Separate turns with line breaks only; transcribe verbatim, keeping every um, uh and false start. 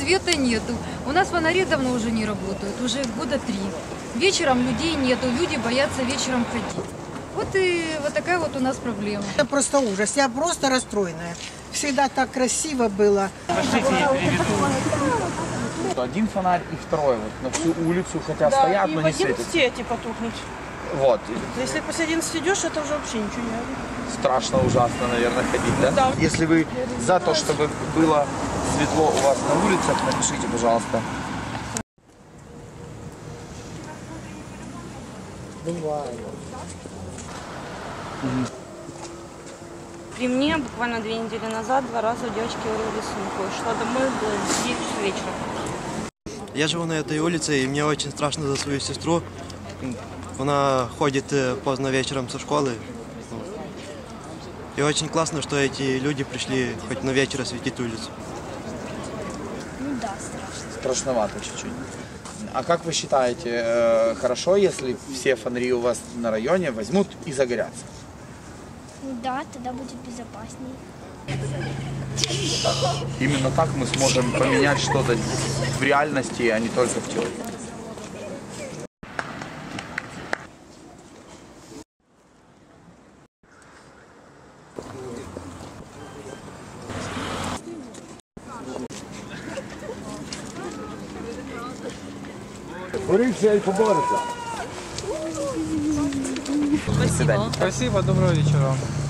света нету. У нас фонари давно уже не работают, уже года три. Вечером людей нету, люди боятся вечером ходить. Вот и вот такая вот у нас проблема.
Это просто ужас, я просто расстроенная. Всегда так красиво было.
Один фонарь и второй вот на всю улицу, хотя
да,
стоят,
и
но
в
не светят.
одиннадцати потухнуть.
Вот.
Если после одиннадцати идешь, это уже вообще ничего не видно.
Страшно, ужасно, наверное, ходить, да?
Да.
Если вы за то, чтобы было светло у вас на улицах, напишите, пожалуйста.
Бывает.
При мне буквально две недели назад два раза у девочки вырвали сумку. Шла домой, было девять часов вечера.
Я живу на этой улице, и мне очень страшно за свою сестру. Она ходит поздно вечером со школы. И очень классно, что эти люди пришли хоть на вечер осветить улицу.
Ну да, страшно.
Страшновато чуть-чуть. А как вы считаете, хорошо, если все фонари у вас на районе возьмут и загорятся?
Да, тогда будет безопаснее.
Именно так мы сможем поменять что-то в реальности, а не только в теории.
Борися і поборися.
Спасибо.
Спасибо, доброго вечера.